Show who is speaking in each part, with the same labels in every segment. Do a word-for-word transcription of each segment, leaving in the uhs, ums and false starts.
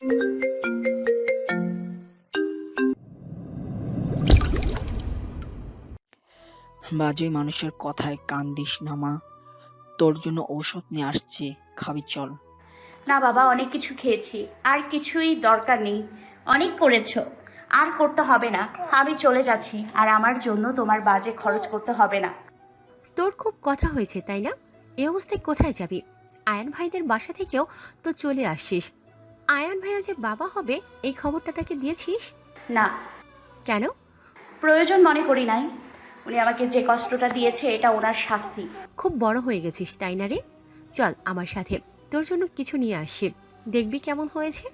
Speaker 1: বাজে মানুষের কথায় কান দিস না মা। তোর জন্য ঔষধ নিয়ে আসছি, খাবি চল।
Speaker 2: না বাবা, অনেক কিছু খেয়েছি, আর কিছুই দরকার নেই। অনেক করেছো, আর করতে হবে না। আমি চলে যাচ্ছি, আর আমার জন্য তোমার বাজে খরচ করতে হবে না।
Speaker 3: তোর খুব কথা হয়েছে তাই না? এই অবস্থায় কোথায় যাবি? আয়ান ভাইদের বাসা থেকেও তো চলে আসছিস। আয়ান ভাইয়া যে বাবা হবে এই খবরটা তাকে দিয়েছিস?
Speaker 2: না,
Speaker 3: কেন?
Speaker 2: প্রয়োজন মনে করি নাই। উনি আমাকে যে কষ্টটা দিয়েছে এটা ওনার শাস্তি।
Speaker 3: খুব বড় হয়ে গেছিস তাই না রে? চল আমার সাথে, তোর জন্য কিছু নিয়ে আসছি, দেখবি কেমন হয়েছে।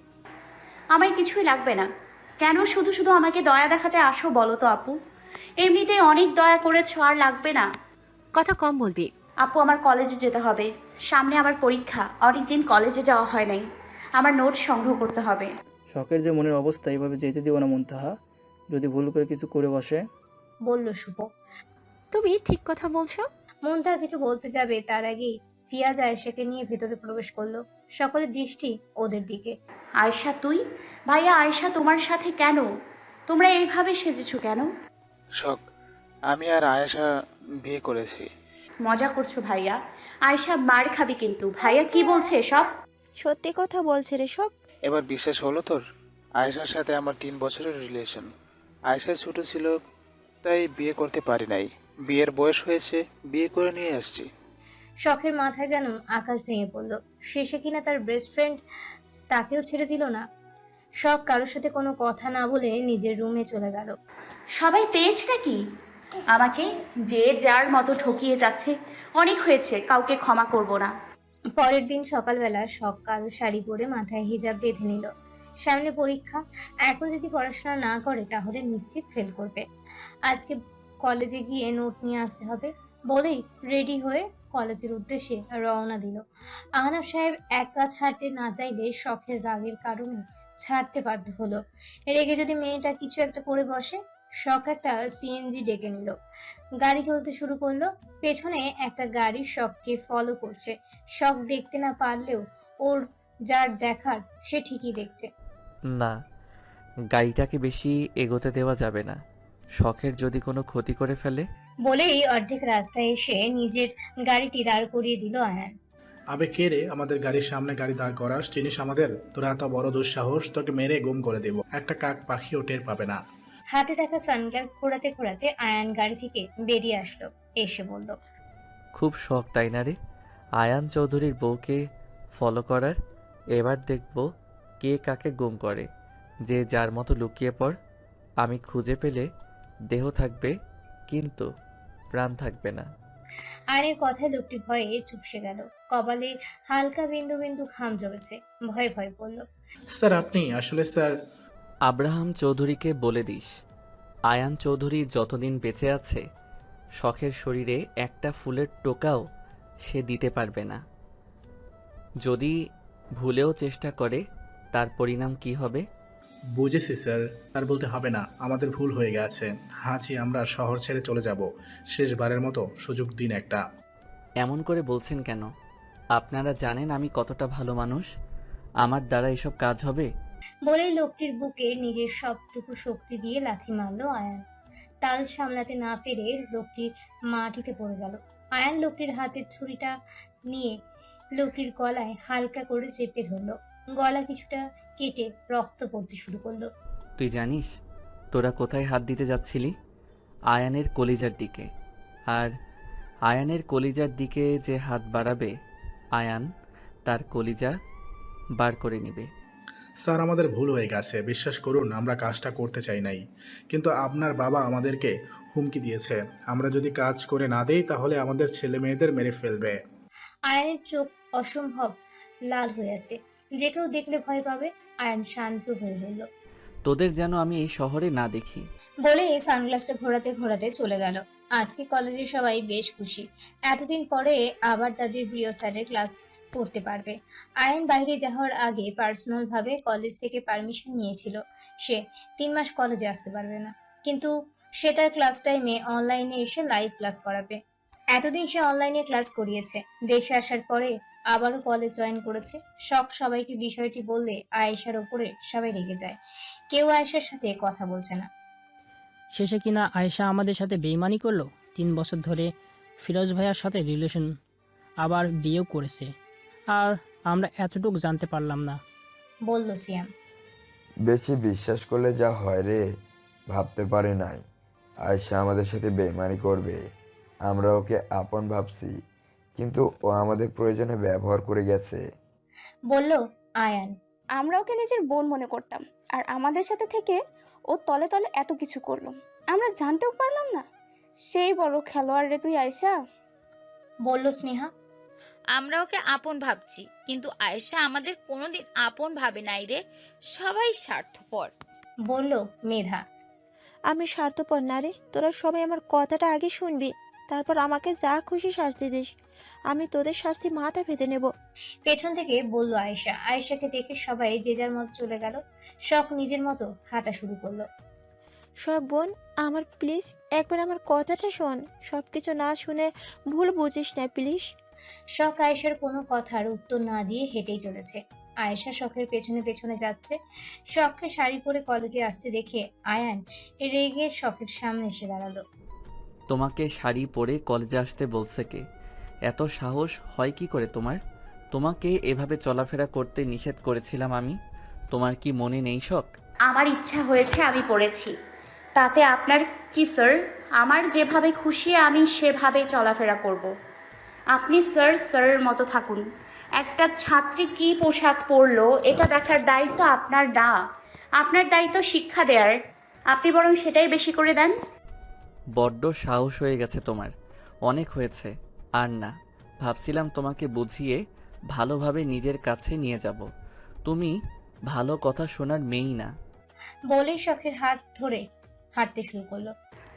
Speaker 2: আমার কিছুই লাগবে না। কেন শুধু শুধু আমাকে দয়া দেখাতে আসো বলো তো আপু? এমনিতেই অনেক দয়া করেছো, আর লাগবে না।
Speaker 3: কথা কম বলবি।
Speaker 2: আপু, আমার কলেজে যেতে হবে। সামনে আমার পরীক্ষা, অনেকদিন কলেজে যাওয়া হয় নাই। আমার নোট সংগ্রহ করতে হবে।
Speaker 4: শখের যে মনের অবস্থা, এভাবে যেতে দিব না মুনতাহা। যদি ভুল করে কিছু করে বসে।
Speaker 5: বলল শুভ।
Speaker 3: তুমি ঠিক কথা বলছো।
Speaker 5: মুনতাহা কিছু বলতে যাবে তার আগেই ফিয়াজ আয়েশাকে নিয়ে ভেতরে প্রবেশ করলো। সকলের দৃষ্টি ওদের দিকে।
Speaker 2: আয়শা তুই? ভাইয়া, আয়শা তোমার সাথে কেন? তোমরা এইভাবে সেজেছো কেন?
Speaker 6: শখ, আমি আর আয়েশা বিয়ে করেছি।
Speaker 2: মজা করছো ভাইয়া? আয়শা মার খাবি কিন্তু। ভাইয়া কি বলছে সব?
Speaker 7: সত্যি কথা বলছে রে সব।
Speaker 6: এবার বিশ্বাস হলো তোর? আয়েশার সাথে আমার তিন বছরের রিলেশন। আয়েশা ছোট ছিল, তাই বিয়ে করতে পারি নাই। বিয়ের বয়স হয়েছে, বিয়ে করে নিয়ে আসছি।
Speaker 5: শখের মাথায় যেন আকাশ ভেঙে পড়ল। শেষে কিনা তার বেস্ট ফ্রেন্ড তাকেও ছেড়ে দিল না। শখ কারোর সাথে কোনো কথা না বলে নিজের রুমে চলে গেল।
Speaker 2: সবাই পেয়েছে নাকি আমাকে? যে যার মতো ঠকিয়ে যাচ্ছে। অনেক হয়েছে, কাউকে ক্ষমা করব না।
Speaker 5: পরের দিন সকালবেলা শখ কালো শাড়ি পরে মাথায় হিজাব বেঁধে নিল। সামনে পরীক্ষা, এখন যদি পড়াশোনা না করে তাহলে নিশ্চিত ফেল করবে। আজকে কলেজে গিয়ে নোট নিয়ে আসতে হবে বলেই রেডি হয়ে কলেজের উদ্দেশ্যে রওনা দিল। আহনাব সাহেব একা ছাড়তে না চাইলে শখের রাগের কারণে ছাড়তে বাধ্য হলো। রেগে যদি মেয়েটা কিছু একটা করে বসে। শখ একটা সিএনজি ডেকে নিল, গাড়ি চলতে শুরু করলো। পেছনে একটা গাড়ি শখকে ফলো করছে। শখ দেখতে না পারলেও ওর যার দেখার সে ঠিকই দেখছে।
Speaker 8: না, গাড়িটাকে বেশি এগোতে দেওয়া যাবে না। শখের যদি কোনো ক্ষতি করে ফেলে।
Speaker 5: বলেই অর্ধেক রাস্তায় এসে নিজের গাড়িটি দাঁড় করিয়ে দিল আয়ান।
Speaker 9: আবে কে রে আমাদের গাড়ির সামনে গাড়ি দাঁড় করাস? চিনিস আমাদের? তোরা এত বড় দুঃসাহস, তোকে মেরে গুম করে দেব। একটা কাক পাখিও টের পাবে না।
Speaker 5: হাতে থাকা সানগ্লাস ঘোরাতে ঘোরাতে আয়ান গাড়ি থেকে বেরিয়ে আসলো। এসে বলল,
Speaker 8: খুব শখ তাই না রে আয়ান চৌধুরীর বউকে ফলো করার? এবার দেখব কে কাকে গুম করে। যে যার মতো লুকিয়ে পড়। আমি খুঁজে পেলে দেহ থাকবে, কিন্তু প্রাণ থাকবে না।
Speaker 5: আয়ানের কথায় লোকটি ভয়ে চুপসে গেল। কপালে হালকা বিন্দু বিন্দু ঘাম জমেছে। ভয়ে ভয়ে বলল,
Speaker 9: স্যার আপনি আসলে স্যার।
Speaker 8: আব্রাহাম চৌধুরীকে বলে দিস, আয়ান চৌধুরী যতদিন বেঁচে আছে শখের শরীরে একটা ফুলের টোকাও সে দিতে পারবে না। যদি ভুলেও চেষ্টা করে তার পরিণাম কি হবে?
Speaker 9: বুঝেছি স্যার, আর বলতে হবে না, আমাদের ভুল হয়ে গেছে। হাজি আমরা শহর ছেড়ে চলে যাব। শেষবারের মতো সুযোগ দিন একটা।
Speaker 8: এমন করে বলছেন কেন? আপনারা জানেন আমি কতটা ভালো মানুষ। আমার দ্বারা এসব কাজ হবে?
Speaker 5: বলেই লোকটির বুকে নিজের সবটুকু শক্তি দিয়ে লাথি মারলো আয়ান। তাল সামলাতে না পেরে লোকটি মাটিতে পড়ে গেল। আয়ান লোকটির হাতের ছুরিটা নিয়ে লোকটির গলায় হালকা করে চেপে ধরলো। গলা কিছুটা কেটে রক্ত পড়তে শুরু করলো।
Speaker 8: তুই জানিস তোরা কোথায় হাত দিতে যাচ্ছিলি? আয়ানের কলিজার দিকে। আর আয়ানের কলিজার দিকে যে হাত বাড়াবে, আয়ান তার কলিজা বার করে নিবে।
Speaker 9: স্যার আমাদের ভুল হয়ে গেছে, বিশ্বাস করুন আমরা কাজটা করতে চাই নাই, কিন্তু আপনার বাবা আমাদেরকে হুমকি দিয়েছে। আমরা যদি কাজ করে না দেই তাহলে আমাদের ছেলে মেয়েদের মেরে ফেলবে।
Speaker 5: আয়ানের চোখ অসম্ভব লাল হয়ে আছে, যে কেউ দেখলে ভয় পাবে। আয়ান শান্ত হয়ে বলল,
Speaker 8: তোদের যেন আমি এই শহরে না দেখি।
Speaker 5: বলে সানগ্লাসটা ঘোরাতে ঘোরাতে চলে গেল। আজকে কলেজে সবাই বেশ খুশি। এতদিন পরে আবার তাদের প্রিয় স্যারের ক্লাস করতে পারবে। আয়ান বাইরে যাওয়ার আগে পার্সোনাল ভাবে কলেজ থেকে পারমিশন নিয়েছিল। সে তিন মাস কলেজে আসতে পারবে না, কিন্তু সে তার ক্লাস টাইমে অনলাইনে এসে লাইভ ক্লাস করাবে। এতদিন সে অনলাইনে ক্লাস করিয়েছে। দেশে আসার পরে আবারও কলেজ জয়েন করেছে। শখ সবাইকে বিষয়টি বললে আয়েশার ওপরে সবাই রেগে যায়। কেউ আয়েশার সাথে কথা বলছে না।
Speaker 10: শেষে কিনা আয়েশা আমাদের সাথে বেইমানি করলো। তিন বছর ধরে ফিরোজ ভাইয়ার সাথে রিলেশন, আবার বিয়েও করেছে, আর আমরা এতটুকু জানতে পারলাম না।
Speaker 5: বলল সিয়াম।
Speaker 11: বেশি বিশ্বাস করলে যা হয় রে, ভাবতে পারি নাই আয়শা আমাদের সাথে বেইমানি করবে। আমরা ওকে আপন ভাবছি, কিন্তু ও আমাদের প্রয়োজনে ব্যবহার করে গেছে।
Speaker 5: বলল আয়ান।
Speaker 7: আমরা ওকে নিজের বোন মনে করতাম, আর আমাদের সাথে থেকে ও তলে তলে এত কিছু করলো, আমরা জানতেও পারলাম না। সেই বড় খেলোয়াড় রে তুই আয়েশা।
Speaker 5: বলল স্নেহা।
Speaker 12: আমরা ওকে আপন ভাবছি, কিন্তু আয়েশা আমাদের কোনোদিন আপন ভাবে নাই রে, সবাই স্বার্থপর।
Speaker 5: বলল মেধা।
Speaker 7: আমি স্বার্থপর না রে, তোরা সবাই আমার কথাটা আগে শুনবি, তারপর আমাকে যা খুশি শাস্তি দিস, আমি তোদের শাস্তি মাথা পেতে নেব।
Speaker 5: পেছন থেকে বলল আয়েশা। আয়েশাকে দেখে সবাই যে যার মতো চলে গেল। শখ নিজের মতো হাঁটা শুরু করলো।
Speaker 7: শখ বোন, আমার প্লিজ একবার আমার কথাটা শোন, সব কিছু না শুনে ভুল বুঝিস না প্লিজ।
Speaker 5: শখ আয়েশার কোনো কথার উত্তর না দিয়ে হেঁটেই চলেছে। আয়েশা শখের পেছনে পেছনে যাচ্ছে। শখকে শাড়ি পরে কলেজে আসতে দেখে আয়ান রেগে শখের সামনে এসে দাঁড়ালো।
Speaker 8: তোমাকে শাড়ি পরে কলেজে আসতে বলছে কে? এত সাহস হয় কি করে তোমার? তোমাকে এভাবে চলাফেরা করতে নিষেধ করেছিলাম আমি, তোমার কি মনে নেই শখ?
Speaker 2: আমার ইচ্ছা হয়েছে, আমি পড়েছি, তাতে আপনার কি স্যার? আমার যেভাবে খুশি আমি সেভাবে চলাফেরা করব। আপনি স্যার স্যারের মতো থাকুন। একটা ছাত্রী কি পোশাক পরলো এটা দেখার দায়িত্ব আপনার না, আপনার দায়িত্ব শিক্ষা দেওয়ার। আপনি বরং সেটাই বেশি করে দেন।
Speaker 8: বড্ড সাহস হয়ে গেছে তোমার, অনেক হয়েছে। আর না, ভাবছিলাম তোমাকে বুঝিয়ে ভালোভাবে নিজের কাছে নিয়ে যাব, তুমি ভালো কথা শোনার মেয়েই না।
Speaker 5: বলেই শখের হাত ধরে হাঁটতে শুরু করলো।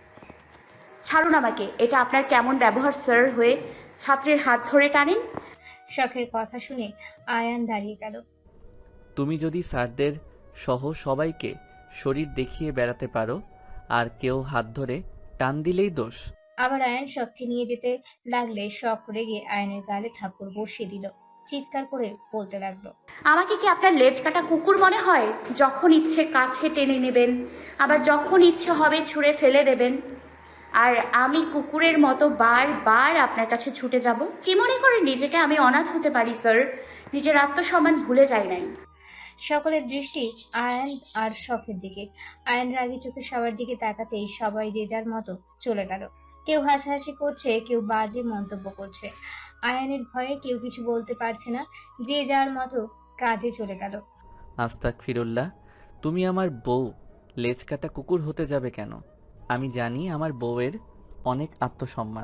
Speaker 2: ছাড়ুন আমাকে, এটা আপনার কেমন ব্যবহার স্যার হয়ে ছাত্রের হাত ধরে টানেন?
Speaker 5: শখের কথা শুনে আয়ান দাঁড়িয়ে গেল।
Speaker 8: তুমি যদি স্যারদের সহ সবাইকে শরীর দেখিয়ে বেড়াতে পারো, আর কেউ হাত ধরে টান দিলেই দোষ।
Speaker 5: আবার আয়ান শখকে নিয়ে যেতে লাগলে শখ রেগে আয়ানের গালে থাপ্পড় বসিয়ে দিল। চিৎকার করে বলতে লাগলো।
Speaker 2: আমাকে কি আপনার লেজ কাটা কুকুর মনে হয়? যখন ইচ্ছে কাছে টেনে নেবেন, আবার যখন ইচ্ছে হবে ছুঁড়ে ফেলে দেবেন, আর আমি কুকুরের মতো বারবার আপনার কাছে ছুটে যাব? কি মনে করে নিজেকে আমি অনাথ হতে পারি স্যার? নিজের আত্মসম্মান ভুলে যাই নাই।
Speaker 5: সকলের দৃষ্টি আয়ান আর শখের দিকে। আয়ান রাগী চোখে সবার দিকে তাকাতেই সবাই যে যার মতো চলে গেল। কেউ হাসাহাসি করছে, কেউ বাজে মন্তব্য করছে। আয়ানের ভয়ে কেউ কিছু বলতে পারছে না, যে যার মতো কাজে চলে গেল।
Speaker 8: আস্তাগফিরুল্লাহ, তুমি আমার বউ, লেজ কাটা কুকুর হতে যাবে কেন? আমি জানি আমার বউয়ের অনেক আত্মসম্মান,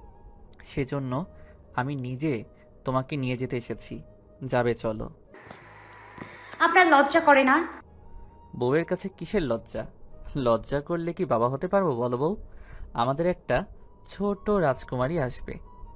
Speaker 8: সেজন্য আমি নিজে তোমাকে নিয়ে যেতে এসেছি। যাবে চলো।
Speaker 2: আপনার লজ্জা করে না?
Speaker 8: বউয়ের কাছে কিসের লজ্জা? লজ্জা করলে কি বাবা হতে পারবো বলো বউ? আমাদের একটা ছোট রাজকুমারী আসবে।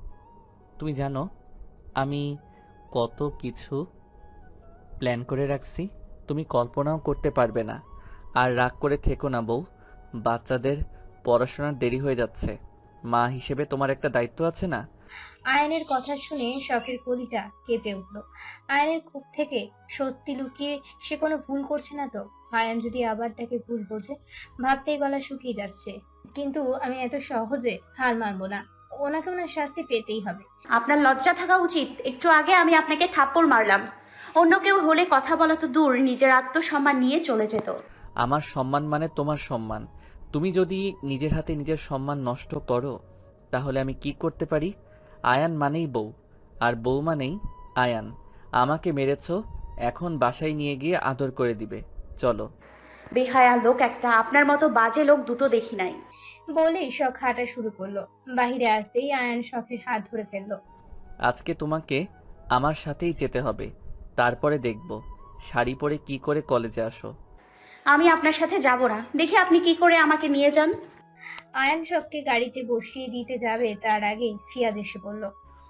Speaker 8: তুমি জানো আমি কত কিছু প্ল্যান করে রাখছি, তুমি কল্পনাও করতে পারবে না। আর রাগ করে থেকো না বউ, বাচ্চাদের পড়াশোনার দেরি হয়ে যাচ্ছে, মা হিসেবে তোমার একটা দায়িত্ব আছে না?
Speaker 5: আয়নের কথা শুনে শখের কলিজা কেঁপে উঠল। আয়নের খুব থেকে সত্যি লুকিয়ে সে কোনো ভুল করছে না তো? আয়ন যদি আবার তাকে ভুল বোঝে, ভাবতেই গলা শুকিয়ে যাচ্ছে। কিন্তু আমি এত সহজে হার মানবো না, ওনাকে ওনার শাস্তি পেতেই হবে।
Speaker 2: আপনার লজ্জা থাকা উচিত। একটু আগে আমি আপনাকে থাপ্পড় মারলাম, অন্য কেউ হলে কথা বলা তো দূর, নিজের আত্মসম্মান নিয়ে চলে যেত।
Speaker 8: আমার সম্মান মানে তোমার সম্মান। তুমি যদি নিজের হাতে নিজের সম্মান নষ্ট করো, তাহলে আমি কি করতে পারি? আয়ান মানেই বউ, আর বউ মানেই আয়ান। আমাকে মেরেছো, এখন বাসায় নিয়ে গিয়ে আদর করে দিবে। চলো।
Speaker 2: বেহায়া লোক একটা, আপনার মতো বাজে লোক দুটো দেখি নাই।
Speaker 5: বলেই শখ হাঁটা শুরু করলো। বাহিরে আসতেই আয়ান শখের হাত ধরে ফেললো।
Speaker 8: আজকে তোমাকে আমার সাথেই যেতে হবে, তারপরে দেখব শাড়ি পরে কি করে কলেজে আসো।
Speaker 2: আমি আপনার সাথে যাব না, দেখি আপনি কি করে আমাকে নিয়ে যান।
Speaker 5: আয়ান শখকে গাড়িতে বসিয়ে দিতে যাবে, তার আগে ফিয়াজ এসে বলল।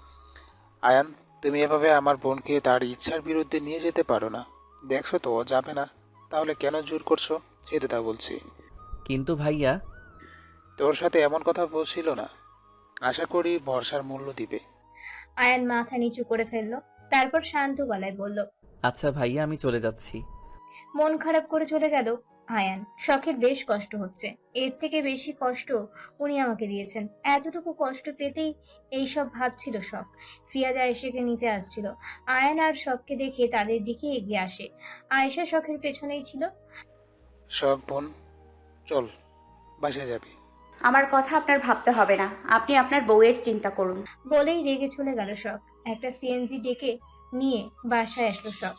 Speaker 6: আয়ান, তুমি এভাবে আমার বোনকে তার ইচ্ছার বিরুদ্ধে নিয়ে যেতে পারো না। দেখছো তো ও যাবে না, তাহলে কেন জোর করছো? যেতে তা বলছি।
Speaker 8: কিন্তু ভাইয়া,
Speaker 6: তোর সাথে এমন কথা বলছিল না, আশা করি ভরসার মূল্য দিবে।
Speaker 5: আয়ান মাথা নিচু করে ফেললো, তারপর শান্ত গলায় বলল,
Speaker 8: আচ্ছা ভাইয়া, আমি চলে যাচ্ছি।
Speaker 5: মন খারাপ করে চলে গেল আয়ান। শখের বেশ কষ্ট হচ্ছে, এর থেকে বেশি কষ্ট উনি আমাকে দিয়েছেন। এতটুকু কষ্ট পেতেই এইসব ভাবছিল শখ। ফিয়াজ আয়েশাকে নিতে আসছিল। আয়ান আর শখকে দেখে তাদের দিকে এগিয়ে আসে। আয়েশা শখের পেছনেই ছিল।
Speaker 6: শখ বোন, চল বাসায় যাবি।
Speaker 2: আমার কথা আপনার ভাবতে হবে না, আপনি আপনার বউয়ের চিন্তা করুন।
Speaker 5: বলেই রেগে চলে গেল শখ। একটা সিএনজি ডেকে নিয়ে বাসায় আসলো শখ।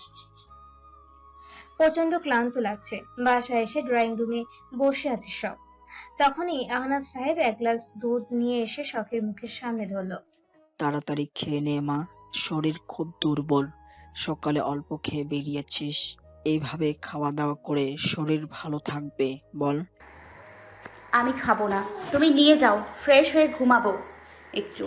Speaker 5: প্রচন্ড ক্লান্ত লাগছে। বাসায় এসে ড্রয়িং রুমে বসে আছে শখ। তখনই আহনাফ সাহেব এক গ্লাস দুধ নিয়ে এসে শখের মুখের সামনে ধরলো।
Speaker 1: তাড়াতাড়ি খেয়ে নে মা, শরীর খুব দুর্বল, সকালে অল্প খেয়ে বেরিয়েছিস, এইভাবে খাওয়া দাওয়া করে শরীর ভালো থাকবে বল।
Speaker 2: আমি খাবো না, তুমি নিয়ে যাও, ফ্রেশ হয়ে ঘুমাবো একটু।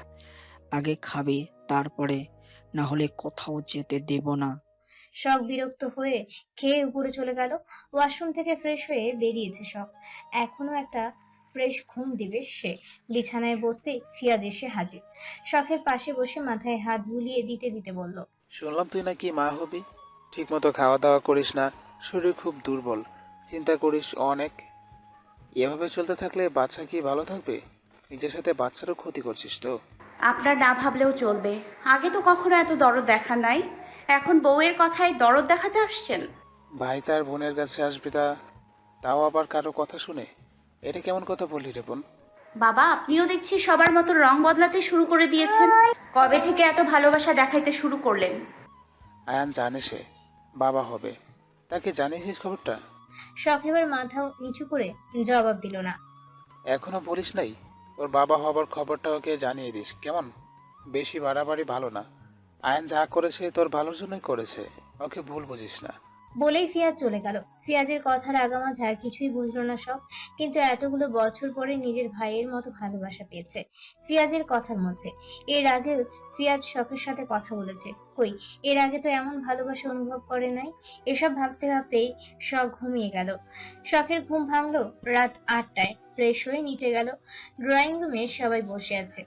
Speaker 1: আগে খাবে, তারপরে, না হলে কোথাও যেতে দেব না।
Speaker 5: শখ বিরক্ত হয়ে খেয়ে উপরে চলে গেল। ওয়াশরুম থেকে ফ্রেশ হয়ে বেরিয়েছে শখ। এখনো একটা ফ্রেশ ঘুম দিবে সে। বিছানায় বসতে ফিয়াজ এসে হাজির। শখের পাশে বসে মাথায় হাত বুলিয়ে দিতে দিতে বলল,
Speaker 6: শুনলাম তুই নাকি মা হবি, ঠিক মতো খাওয়া দাওয়া করিস না, শরীর খুব দুর্বল, চিন্তা করিস অনেক। এভাবে চলতে থাকলে বাচ্চা কি ভালো থাকবে? নিজের সাথে বাচ্চারও ক্ষতি করছিস তো।
Speaker 2: আপনার না ভাবলেও চলবে, আগে তো কখনো এত দরদ দেখা নাই, এখন বউয়ের কথায় দরদ দেখাতে আসছেন।
Speaker 6: ভাই তার বোনের কাছে আসবি, তা তাও আবার কারো কথা শুনে, এটা কেমন কথা বললি রে বোন?
Speaker 2: বাবা, আপনিও দেখছি সবার মতো রং বদলাতে শুরু করে দিয়েছেন। কবে থেকে এত ভালোবাসা দেখাইতে শুরু করলেন?
Speaker 6: আয়ান জানে সে বাবা হবে, তাকে জানিয়েছিস খবরটা?
Speaker 5: শখ এবার মাথা নিচু করে জবাব দিল না।
Speaker 6: এখনো বলিস নাই? ওর বাবা হবার খবরটা ওকে জানিয়ে দিস কেমন? বেশি বাড়াবাড়ি ভালো না। আয়ান যা করেছে তোর ভালোর জন্যই করেছে, ওকে ভুল বুঝিস না।
Speaker 5: বলেই ফিয়াজ চলে গেল। ফিয়াজের কথার আগামাথা কিছুই বুঝলো না শখ, কিন্তু এতগুলো বছর পরে নিজের ভাইয়ের মতো ভালোবাসা পেয়েছে ফিয়াজের কথার মধ্যে। এর আগে ফিয়াজ শখের সাথে কথা বলেছে, কই এর আগে তো এমন ভালোবাসা অনুভব করে নাই। এসব ভাবতে ভাবতেই শখ ঘুমিয়ে গেল। শখের ঘুম ভাঙলো রাত আটটায়। ফ্রেশ হয়ে নিচে গেল। ড্রয়িং রুমে সবাই বসে আছে।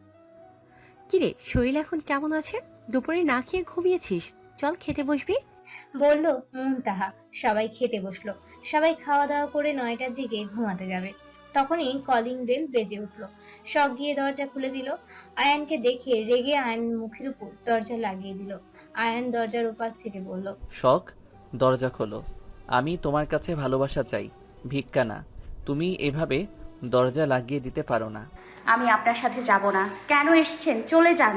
Speaker 3: কিরে, শরীর এখন কেমন আছে? দুপুরে না খেয়ে ঘুমিয়েছিস, চল খেতে বসবি।
Speaker 5: বলল মুনতাহা। সবাই খেতে বসলো। সবাই খাওয়া দাওয়া করে নয়টার দিকে ঘুমাতে যাবে। তখনই কলিং বেল বেজে উঠলো। শখ গিয়ে দরজা খুলে দিল। আয়ানকে দেখে রেগে আয়ান মুখের উপর দরজা লাগিয়ে দিল। আয়ান দরজার উপাস থেকে বলল,
Speaker 8: শখ, দরজা খোলো, আমি তোমার কাছে ভালোবাসা চাই, ভিক্ষা না। তুমি এভাবে দরজা লাগিয়ে দিতে পারো না।
Speaker 2: আমি আপনার সাথে যাব না। কেন এসেছেন? চলে যান।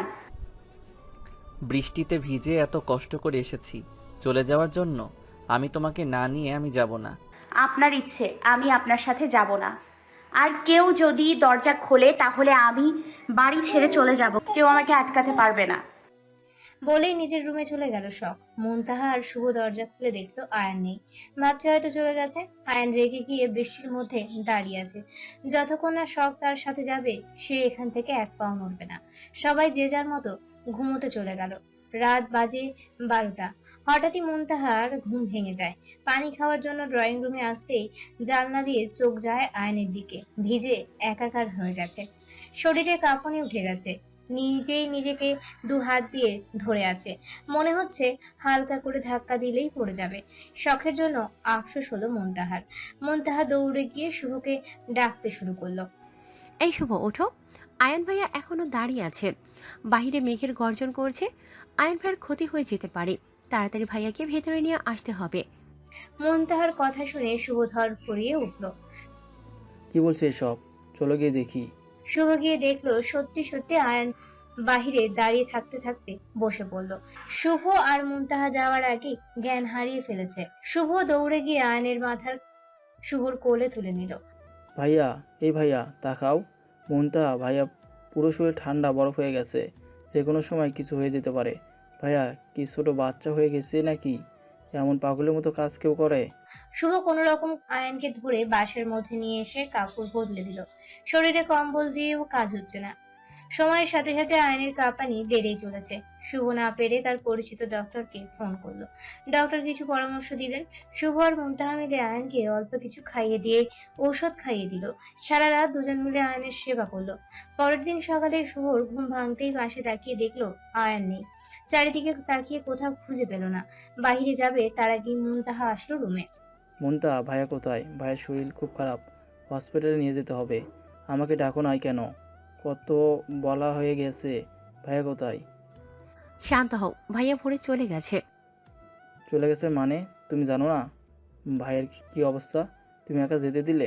Speaker 8: বৃষ্টিতে ভিজে এত কষ্ট করে এসেছি, চলে যাওয়ার জন্য? আমি তোমাকে না নিয়ে আমি যাব না।
Speaker 2: আপনার ইচ্ছে, আমি আপনার সাথে যাব না। আর কেউ যদি দরজা খোলে তাহলে আমি বাড়ি ছেড়ে চলে যাব, কেউ আমাকে আটকাতে পারবে না।
Speaker 5: বলেই নিজের রুমে চলে গেল শখ। মুনতাহা আর শুভ দরজা খুলে দেখলো আয়ান নেই। ভাবছে হয়তো চলে গেছে। আয়ান রেগে গিয়ে বৃষ্টির মধ্যে দাঁড়িয়ে আছে। যতক্ষণ না শখ তার সাথে যাবে সে এখান থেকে এক পাও নড়বে না। সবাই যে যার মতো ঘুমোতে চলে গেল। রাত বাজে বারোটা। হঠাৎই মুনতাহার ঘুম ভেঙে যায়। পানি খাওয়ার জন্য ড্রয়িং রুমে আসতেই জানলা দিয়ে চোখ যায় আয়নের দিকে। ভিজে একাকার হয়ে গেছে, শরীরে কাঁপুনি উঠে গেছে। নিজেই নিজেকে দু হাত দিয়ে ধরে আছে, মনে হচ্ছে হালকা করে ধাক্কা দিলেই পড়ে যাবে। শখের জন্য আফসোস হলো মুনতাহার। মুনতাহা দৌড়ে গিয়ে শুভকে ডাকতে শুরু করলো।
Speaker 3: এই শুভ, ওঠো। আয়ন ভাইয়া এখনো দাঁড়িয়ে আছে, বাহিরে মেঘের গর্জন করছে। আয়ন ভাইয়ের ক্ষতি হয়ে যেতে পারে, তাড়াতাড়ি ভাইয়াকে ভেতরে নিয়ে আসতে হবে।
Speaker 5: মুনতাহার কথা শুনে শুভ ধর পড়িয়ে উঠল।
Speaker 4: কি বলছে এসব? চলো গিয়ে দেখি।
Speaker 5: শুভ গিয়ে দেখলো সত্যি সত্যি আয়ন বাহিরে দাঁড়িয়ে থাকতে থাকতে বসে পড়লো। শুভ আর মুনতাহা যাওয়ার আগে জ্ঞান হারিয়ে ফেলেছে। শুভ দৌড়ে গিয়ে আয়নের মাথার শুভর কোলে তুলে নিল।
Speaker 4: ভাইয়া, এই ভাইয়া তাকাও। মনটা ভাইয়া পুরো শরীর ঠান্ডা বরফ হয়ে গেছে, যে কোনো সময় কিছু হয়ে যেতে পারে। ভাইয়া কি ছোট বাচ্চা হয়ে গেছে নাকি? এমন পাগলের মতো কাজ কেউ করে?
Speaker 5: শুভ কোনো রকম আয়নকে ধরে বাসের মধ্যে নিয়ে এসে কাপড় বদলে দিল। শরীরে কম্বল দিয়েও কাজ হচ্ছে না। সময়ের সাথে সাথে আয়নের কাঁপানি বেড়েই চলেছে। শুভ না পেরে তার পরিচিত ডক্টরকে ফোন করলো। ডক্টর কিছু পরামর্শ দিলেন। শুভ আর মুনতাহা মিলে আয়নকে অল্প কিছু খাইয়ে দিয়ে ঔষধ খাইয়ে দিল। সারা রাত দুজন মিলে আয়নের সেবা করলো। পরের দিন সকালে শুভর ঘুম ভাঙতেই পাশে তাকিয়ে দেখলো আয়ন নেই। চারিদিকে তাকিয়ে কোথাও খুঁজে পেল না। বাইরে যাবে তার আগে মুনতাহা আসলো রুমে।
Speaker 4: মুনতা, ভাইয়া কোথায়? ভাইয়ের শরীর খুব খারাপ, হসপিটালে নিয়ে যেতে হবে। আমাকে ডাকো নাই কেন? কত বলা হয়ে গেছে। ভাইয়া কোথায়?
Speaker 3: শান্ত হও, ভাইয়া ভোরে চলে গেছে।
Speaker 4: চলে গেছে মানে? তুমি জানো না ভাইয়ের কি অবস্থা? তুমি একা যেতে দিলে?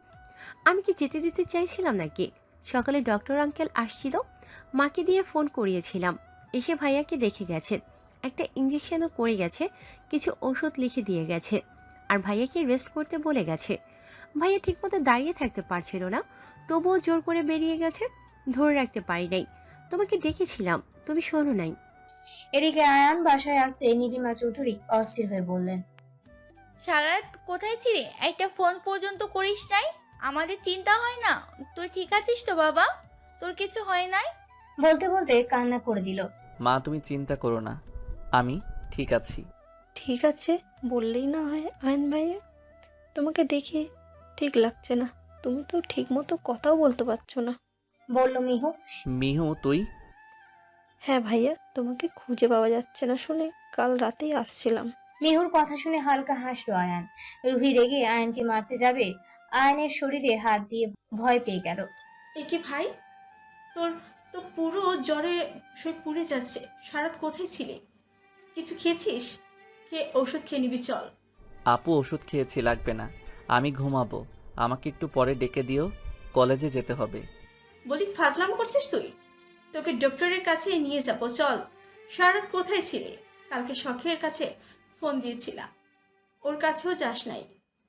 Speaker 3: আমি কি যেতে দিতে চাইছিলাম নাকি? সকালে ডক্টর আঙ্কেল আসছিল, মাকে দিয়ে ফোন করিয়েছিলাম। এসে ভাইয়াকে দেখে গেছেন, একটা ইঞ্জেকশনও করে গেছে, কিছু ওষুধ লিখে দিয়ে গেছে, আর ভাইয়াকে রেস্ট করতে বলে গেছে। ভাইয়া ঠিকমতো দাঁড়িয়ে থাকতে পারছিল না, তবুও জোর করে বেরিয়ে গেছে। ধরে রাখতে পারি নাই, তোমাকে ডেকেছিলাম, তুমি শোনো নাই।
Speaker 5: এদিকে আয়ান বাসায় আসতে নীলিমা চৌধুরী অস্থির হয়ে বললেন,
Speaker 12: সারা রাত কোথায় ছিলি? একটা ফোন পর্যন্ত করিস নাই? আমাদের চিন্তা হয় না? তুই ঠিক আছিস তো বাবা? তোর কিছু হয় নাই?
Speaker 5: বলতে বলতে কান্না করে দিল।
Speaker 8: মা তুমি চিন্তা করো না, আমি ঠিক আছি।
Speaker 13: ঠিক আছে বললেই না হয় আয়ন ভাইয়া, তোমাকে দেখে ঠিক লাগছে না। তুমি তো ঠিক মতো কথাও বলতে পারছো না।
Speaker 5: বলল মিহু।
Speaker 8: মিহু তুই?
Speaker 13: হ্যাঁ ভাইয়া, তোমাকে খুঁজে পাওয়া যাচ্ছে না শুনে কাল রাতেই আসছিলাম।
Speaker 5: মিহুর কথা শুনে হালকা হাসলো আয়ান। রুহি রেগে আয়নকে মারতে যাবে, আয়নের শরীরে হাত দিয়ে ভয় পেয়ে গেল।
Speaker 14: একে ভাই, তোর তো পুরো জ্বরে শরীর পুড়ে যাচ্ছে। সারাত কোথায় ছিলি? কিছু খেয়েছিস? খেয়ে ওষুধ খেয়ে নিবি চল।
Speaker 8: আপু ওষুধ খেয়েছি, লাগবে না, আমি ঘুমাবো। আমাকে একটু পরে ডেকে দিও, কলেজে যেতে হবে।
Speaker 14: বলি ফাজলাম করছিস তুই? তোকে ডক্টরের কাছে নিয়ে যাবো চল। সারাত কোথায় ছিলি? কালকে শখের কাছে ফোন দিয়েছিলাম, ওর কাছেও যাস নাই।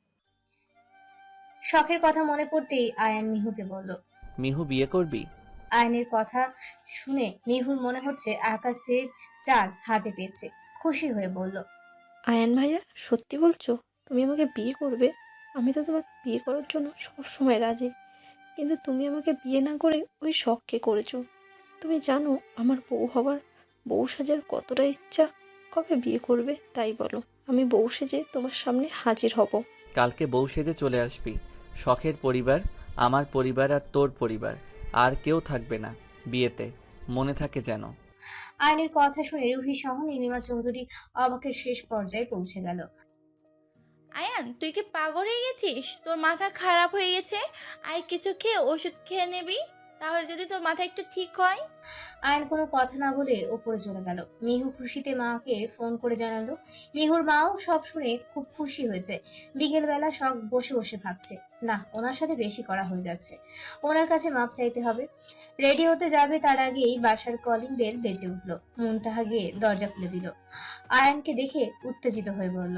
Speaker 5: শখের কথা মনে পড়তেই আয়ান মিহুকে বলল।
Speaker 8: মিহু বিয়ে করবি?
Speaker 5: আয়নের কথা শুনে মিহুর মনে হচ্ছে আকাশের চাল হাতে পেয়েছে। খুশি হয়ে বলল,
Speaker 13: আয়ন ভাইয়া সত্যি বলছো? তুমি আমাকে বিয়ে করবে? আমি তো তোমাকে বিয়ে করার জন্য সব সময় রাজি, কিন্তু তুমি আমাকে বিয়ে না করে ওই শখকে করেছো। তুমি জানো আমার বউ হবার, বউ সাজার কতটা ইচ্ছা। কবে বিয়ে করবে তাই বলো, আমি বউ সেজে তোমার সামনে হাজির হব।
Speaker 8: কালকে বউ সেজে চলে আসবি। শখের পরিবার, আমার পরিবার আর তোর পরিবার, আর কেউ থাকবে না বিয়েতে, মনে থাকে যেন।
Speaker 5: আয়নের কথা শুনে রুহি সহ নীলিমা চৌধুরী অবাকের শেষ পর্যায়ে পৌঁছে গেল।
Speaker 12: আয়ান তুই কি পাগল হয়ে গেছিস? তোর মাথা খারাপ হয়ে গেছে। আয় কিছু খেয়ে ওষুধ খেয়ে নিবি, তাহলে যদি তোর মাথা একটু ঠিক হয়।
Speaker 5: আয়ন কোনো কথা না বলে উপরে চলে গেল। মিহু খুশিতে মাকে ফোন করে জানালো। মিহুর মাও সব শুনে খুব খুশি হয়েছে। বিকেলবেলা সব বসে বসে ভাবছে, না ওনার সাথে বেশি করা হয়ে যাচ্ছে, ওনার কাছে মাপ চাইতে হবে। রেডি হতে যাবে তার আগেই বাসার কলিং বেল বেজে উঠলো। মুনতাহা গিয়ে দরজা খুলে দিল। আয়নকে দেখে উত্তেজিত হয়ে বলল,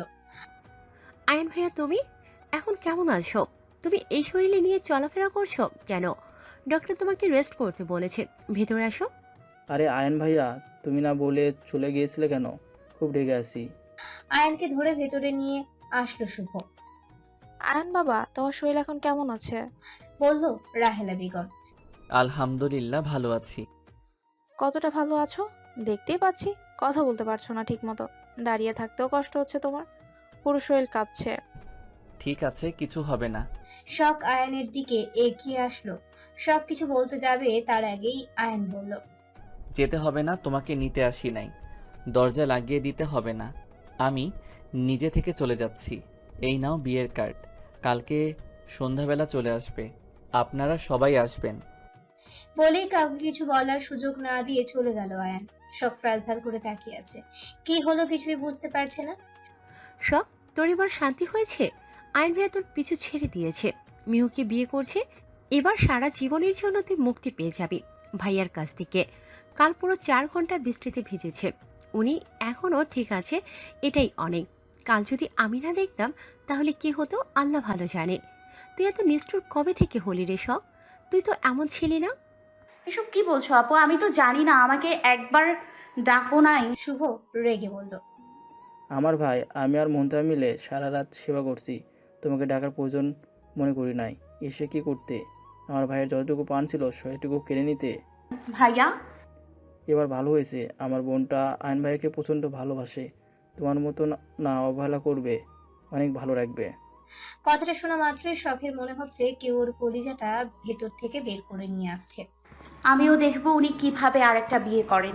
Speaker 3: আয়ন ভাইয়া তুমি এখন কেমন আছো? তুমি এই শরীরে নিয়ে চলাফেরা করছো কেন? ডক্টর তোমাকে রেস্ট করতে বলেছে, ভেতরে আসো।
Speaker 4: আরে আয়ন ভাইয়া, তুমি না বলে চলে গিয়েছিলে কেন? খুব রেগে আছি।
Speaker 5: আয়নকে ধরে ভেতরে নিয়ে আসলো শুভ।
Speaker 7: আয়ন বাবা, তোমার শরীর এখন কেমন আছে?
Speaker 5: বলল রাহেলা বেগম।
Speaker 8: আলহামদুলিল্লাহ ভালো আছি।
Speaker 7: কতটা ভালো আছো? দেখতেই পাচ্ছি কথা বলতে পারছো না ঠিক মতো, দাঁড়িয়ে থাকতেও কষ্ট হচ্ছে তোমার, পুরো শরীর কাঁপছে।
Speaker 8: ঠিক আছে, কিছু হবে না।
Speaker 5: শখ আয়নের দিকে এগিয়ে আসলো। শখ কিছু বলতে যাবে তার আগেই আয়ন বলল,
Speaker 8: যেতে হবে না, তোমাকে নিতে আসি নাই। দরজা লাগিয়ে দিতে হবে না, আমি নিজে থেকে চলে যাচ্ছি। এই নাও বিয়ের কার্ড, কালকে সন্ধ্যাবেলা চলে আসবে, আপনারা সবাই আসবেন।
Speaker 5: বলেই কাউকে কিছু বলার সুযোগ না দিয়ে চলে গেল আয়ান। শখ ফ্যাল ফ্যাল করে তাকিয়ে আছে, কি হলো কিছুই বুঝতে পারছে না।
Speaker 3: সব তোর এবার শান্তি হয়েছে? আয়ন ভাইয়া তোর পিছু ছেড়ে দিয়েছে, মিহুকে বিয়ে করছে। এবার সারা জীবনের জন্য তুই মুক্তি পেয়ে যাবি ভাইয়ার কাছ থেকে। কাল পুরো চার ঘন্টা বৃষ্টিতে ভিজেছে, উনি এখনও ঠিক আছে, এটাই অনেক। কাল যদি আমি না দেখতাম তাহলে কি হতো আল্লাহ ভালো জানে। তুই এত নিষ্ঠুর কবে থেকে হলি রে শখ? তুই তো এমন ছিলি না।
Speaker 2: এসব কি বলছো আপু? আমি তো জানি না, আমাকে একবার ডাকো নাই।
Speaker 5: শুভ রেগে বলল,
Speaker 4: আমার ভাই, আমি আর মুনতাহা মিলে সারা রাত সেবা করছি, তোমাকে ডাকার প্রয়োজন মনে করি নাই। এসে কি করতে? আমার ভাইয়ের যতটুকু পান ছিল সেটুকু কেড়ে নিতে।
Speaker 2: ভাইয়া
Speaker 4: এবার ভালো হয়েছে, আমার বোনটা আয়ন ভাইয়াকে প্রচণ্ড ভালোবাসে, তোমার মতো না- না অবহেলা করবে, অনেক ভালো রাখবে।
Speaker 5: কথাটা শোনা মাত্রই শখের মনে হচ্ছে কেউ ওর কলিজাটা ভেতর থেকে বের করে নিয়ে আসছে।
Speaker 2: আমিও দেখবো উনি কিভাবে আরেকটা বিয়ে করেন।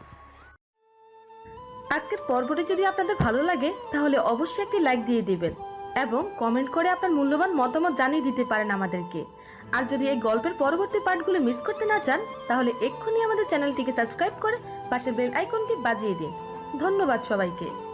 Speaker 15: আজকের পর্বটি যদি আপনাদের ভালো লাগে তাহলে অবশ্যই একটি লাইক দিয়ে দিবেন এবং কমেন্ট করে আপনার মূল্যবান মতামত জানিয়ে দিতে পারেন আমাদেরকে। আর যদি এই গল্পের পরবর্তী পার্টগুলো মিস করতে না চান তাহলে এক্ষুনি আমাদের চ্যানেলটিকে সাবস্ক্রাইব করে পাশের বেল আইকনটি বাজিয়ে দিন। ধন্যবাদ সবাইকে।